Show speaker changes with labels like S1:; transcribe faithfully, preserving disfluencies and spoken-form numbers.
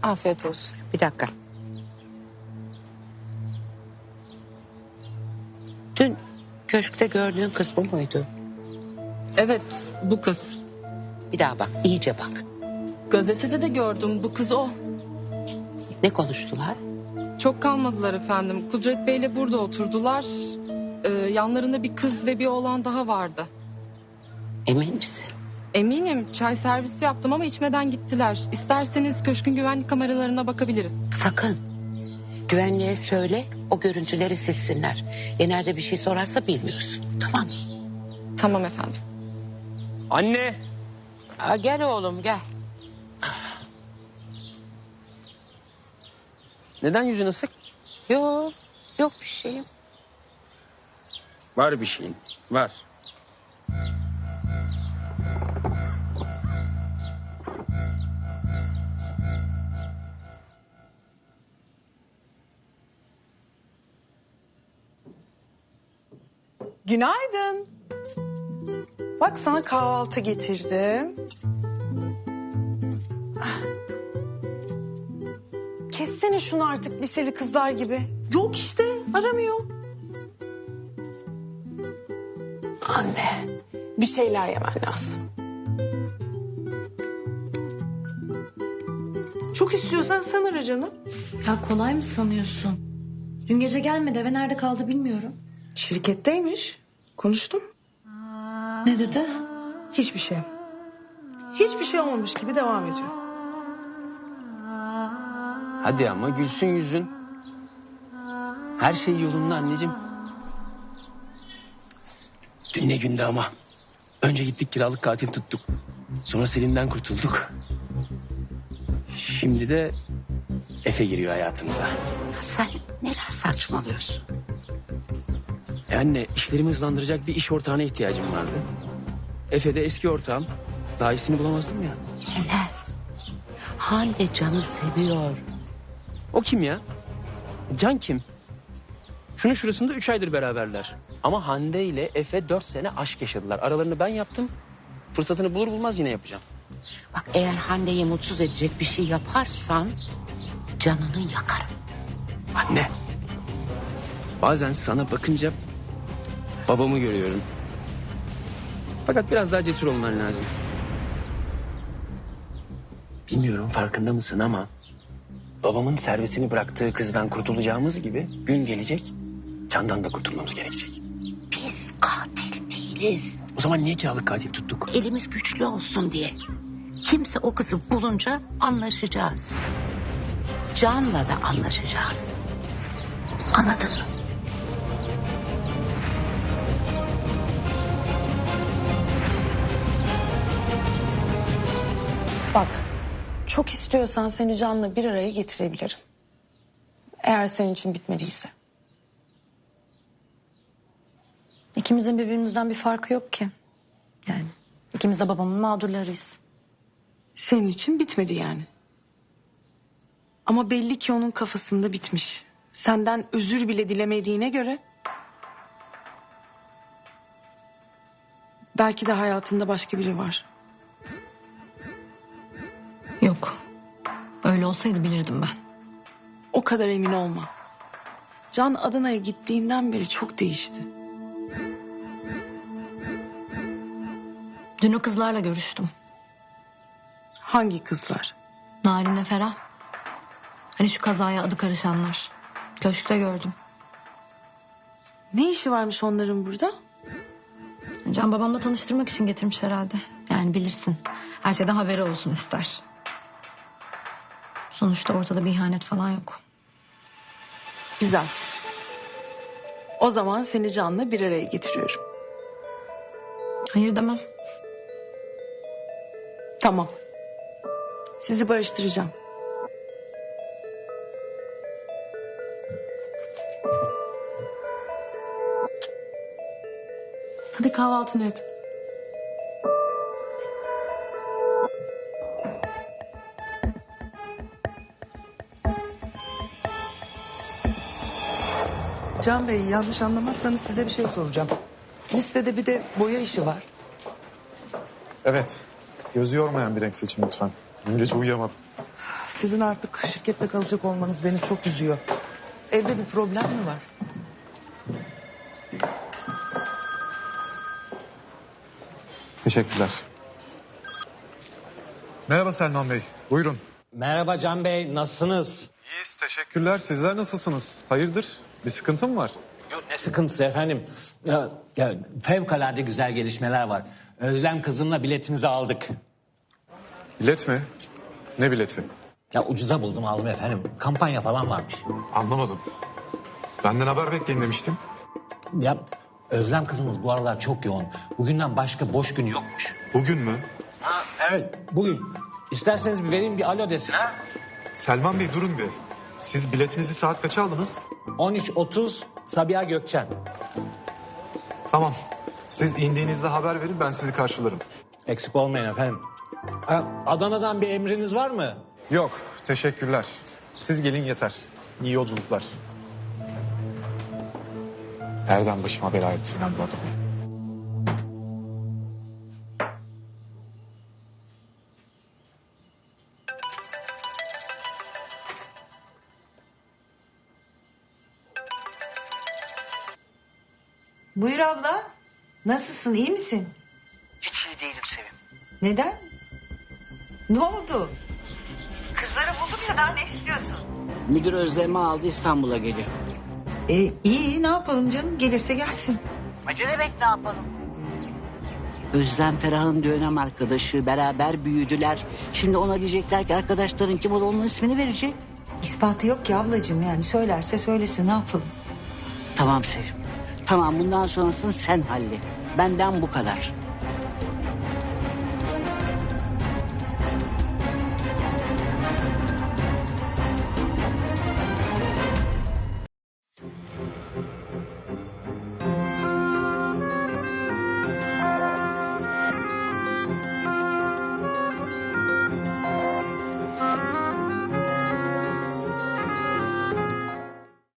S1: Afiyet olsun.
S2: Bir dakika. Dün köşkte gördüğün kız bu muydu?
S1: Evet, bu kız.
S2: Bir daha bak, iyice bak.
S1: Gazetede de gördüm, bu kız o.
S2: Ne konuştular?
S1: Çok kalmadılar efendim. Kudret Bey'le burada oturdular. Ee, yanlarında bir kız ve bir oğlan daha vardı.
S2: Emin misin?
S1: Eminim, çay servisi yaptım ama içmeden gittiler. İsterseniz köşkün güvenlik kameralarına bakabiliriz.
S2: Sakın. Güvenliğe söyle, o görüntüleri silsinler. Genelde bir şey sorarsa bilmiyorsun. Tamam mı?
S1: Tamam efendim.
S3: Anne!
S2: Aa, gel oğlum, gel.
S3: Neden yüzün ısık?
S2: Yok, yok bir şeyim.
S3: Var bir şeyin. Var.
S4: Günaydın. Bak sana kahvaltı getirdim. Ah. Kessene şunu artık liseli kızlar gibi. Yok işte aramıyor. Anne bir şeyler yemen lazım. Çok istiyorsan sen ara canım.
S5: Ya kolay mı sanıyorsun? Dün gece gelmedi, eve nerede kaldı bilmiyorum.
S4: Şirketteymiş. Konuştum.
S5: Ne dedi?
S4: Hiçbir şey. Hiçbir şey olmamış gibi devam ediyor.
S3: Hadi ama gülsün yüzün. Her şey yolunda anneciğim. Dün ne gündü ama. Önce gittik kiralık katil tuttuk. Sonra Selin'den kurtulduk. Şimdi de Efe giriyor hayatımıza.
S2: Sen neler saçmalıyorsun?
S3: E anne, işlerimi hızlandıracak bir iş ortağına ihtiyacım vardı. Efe de eski ortağım. Daha iyisini bulamazdım ya.
S2: Neler? Hande Can'ı seviyor.
S3: O kim ya? Can kim? Şunun şurasında üç aydır beraberler. Ama Hande ile Efe dört sene aşk yaşadılar. Aralarını ben yaptım. Fırsatını bulur bulmaz yine yapacağım.
S2: Bak eğer Hande'yi mutsuz edecek bir şey yaparsan canını yakarım.
S3: Anne. Bazen sana bakınca babamı görüyorum. Fakat biraz daha cesur olman lazım. Bilmiyorum farkında mısın ama babamın servisini bıraktığı kızdan kurtulacağımız gibi gün gelecek, Can'dan da kurtulmamız gerekecek.
S2: Biz katil değiliz.
S3: O zaman niye kiralık katil tuttuk?
S2: Elimiz güçlü olsun diye. Kimse o kızı bulunca anlaşacağız. Can'la da anlaşacağız. Anladın mı?
S4: Bak, çok istiyorsan seni Can'la bir araya getirebilirim. Eğer senin için bitmediyse.
S5: İkimizin birbirimizden bir farkı yok ki. Yani ikimiz de babamın mağdurlarıyız.
S4: Senin için bitmedi yani. Ama belli ki onun kafasında bitmiş. Senden özür bile dilemediğine göre... belki de hayatında başka biri var.
S5: Yok. Öyle olsaydı bilirdim ben.
S4: O kadar emin olma. Can Adana'ya gittiğinden beri çok değişti.
S5: Dün o kızlarla görüştüm.
S4: Hangi kızlar?
S5: Narin'le Ferah. Hani şu kazaya adı karışanlar. Köşkte gördüm.
S4: Ne işi varmış onların burada?
S5: Can babamla tanıştırmak için getirmiş herhalde. Yani bilirsin. Her şeyden haberi olsun ister. Sonuçta ortada bir ihanet falan yok.
S4: Güzel. O zaman seni Can'la bir araya getiriyorum.
S5: Hayır demem.
S4: Tamam. Sizi barıştıracağım. Hadi kahvaltını et.
S6: Can Bey, yanlış anlamazsanız size bir şey soracağım. Listede bir de boya işi var.
S7: Evet. Gözü yormayan bir renk seçin lütfen. Dün gece uyuyamadım.
S6: sizin artık şirkette kalacak olmanız beni çok üzüyor. Evde bir problem mi var?
S7: Teşekkürler. Merhaba Selman Bey. Buyurun.
S8: Merhaba Can Bey, nasılsınız?
S7: İyiyiz. Teşekkürler. Sizler nasılsınız? Hayırdır? Bir sıkıntı mı var?
S8: Yok ne sıkıntısı efendim. Ya, ya, fevkalade güzel gelişmeler var. Özlem kızımla biletimizi aldık.
S7: Bilet mi? Ne bileti?
S8: Ya ucuza buldum aldım efendim. Kampanya falan varmış.
S7: Anlamadım. Benden haber bekleyin demiştim.
S8: Ya Özlem kızımız bu aralar çok yoğun. Bugünden başka boş gün yokmuş.
S7: Bugün mü?
S8: Ha, evet bugün. İsterseniz bir vereyim bir alo desin ha.
S7: Selman Bey durun bir. Siz biletinizi saat kaça aldınız?
S8: on üç otuz Sabiha Gökçen.
S7: Tamam. Siz indiğinizde haber verin, ben sizi karşılarım.
S8: Eksik olmayın efendim. Ha, Adana'dan bir emriniz var mı?
S7: Yok. Teşekkürler. Siz gelin yeter. İyi yolculuklar. Nereden başıma bela ettim ben bu adamı?
S9: Buyur abla. Nasılsın, iyi misin?
S2: Hiç iyi değilim Sevim.
S9: Neden? Ne oldu? Kızları buldum ya, daha ne istiyorsun?
S2: Müdür Özlem'i aldı, İstanbul'a geliyor.
S9: E, iyi, ne yapalım canım? Gelirse gelsin.
S2: Ne demek ne yapalım? Özlem Ferah'ın dönem arkadaşı, beraber büyüdüler. Şimdi ona diyecekler ki arkadaşların kim, o da onun ismini verecek.
S9: İspatı yok ki ablacığım, yani söylerse söylesin, ne yapalım?
S2: Tamam Sevim. Tamam, bundan sonrasını sen hallet. Benden bu kadar.